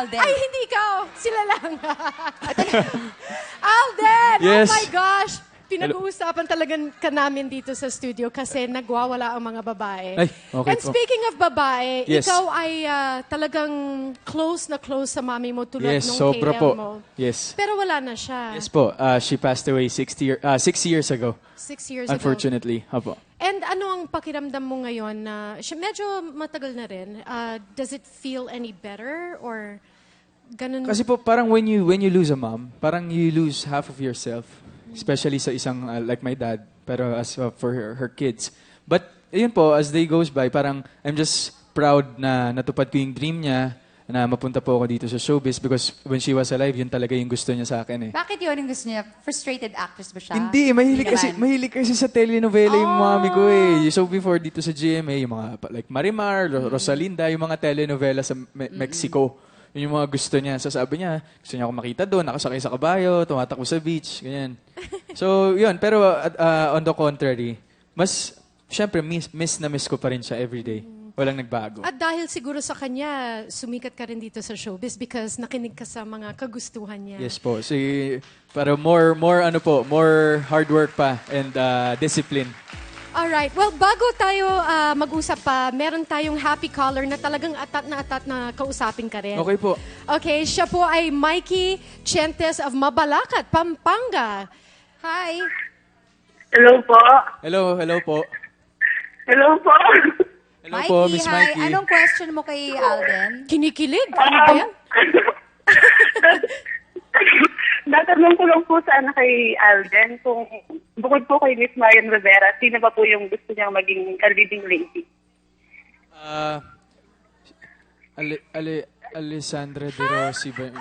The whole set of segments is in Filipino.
Alden. Ay, hindi ikaw. Sila lang. Alden! Yes. Oh my gosh! Pinag-uusapan talaga ka namin dito sa studio kasi nagwawala ang mga babae. Ay, okay And po. speaking of babae, Yes. ikaw ay talagang close na close sa mami mo tulad Yes, nung sobra KL po. mo. Yes. Pero wala na siya. Yes po. She passed away 6 years ago. 6 years ago. Unfortunately. Apo. And ano ang pakiramdam mo ngayon na medyo matagal na rin? Does it feel any better or ganun? Kasi po parang when you lose a mom, parang you lose half of yourself. Especially sa isang like my dad, pero as for her kids. But ayun po, as day goes by, parang I'm just proud na natupad ko yung dream niya na mapunta po ako dito sa showbiz because when she was alive, yun talaga yung gusto niya sa akin eh. Bakit yun ang gusto niya? Frustrated actress ba siya? Hindi, naman. mahilig kasi sa telenovela yung mami ko eh. So before dito sa GMA, yung mga like Marimar, Rosalinda, yung mga telenovela sa Mexico. Yun yung mga gusto niya. So sabi niya, gusto niya ako makita doon, nakasakay sa kabayo, tumatakbo sa beach, ganyan. So yun, pero on the contrary, mas, syempre, miss na miss ko pa rin siya everyday. Walang nagbago. At dahil siguro sa kanya, sumikat ka rin dito sa showbiz because nakinig ka sa mga kagustuhan niya. Yes po. Pero more hard work pa and discipline. Alright. Well, bago tayo mag-usap pa, meron tayong happy caller na talagang atat na kausapin ka rin. Okay po. Okay, siya po ay Mikey Chentes of Mabalacat, Pampanga. Hi. Hello po. Hello po. Hello po. Hello po, Miss hi. Mikey. Anong question mo kay Alden? Kinikilig? Ano ba yan? Natanong ko lang po sana kay Alden kung bukod po kay Miss Marian Rivera, sino ba po yung gusto niyang maging leading lady? Alessandra De Rossi ba?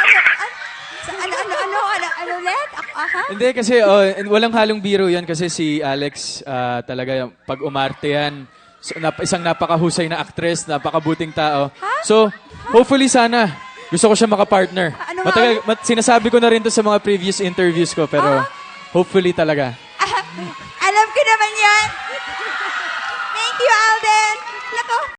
Ano ulit? Aha? Hindi kasi walang halong biro yan kasi si Alex talaga pag umarte yan. So, isang napakahusay na actress, napakabuting tao. So, hopefully sana gusto ko siya makapartner. Ano Sinasabi ko na rin to sa mga previous interviews ko pero hopefully talaga. Alam ko naman yan. Thank you, Alden. Nako.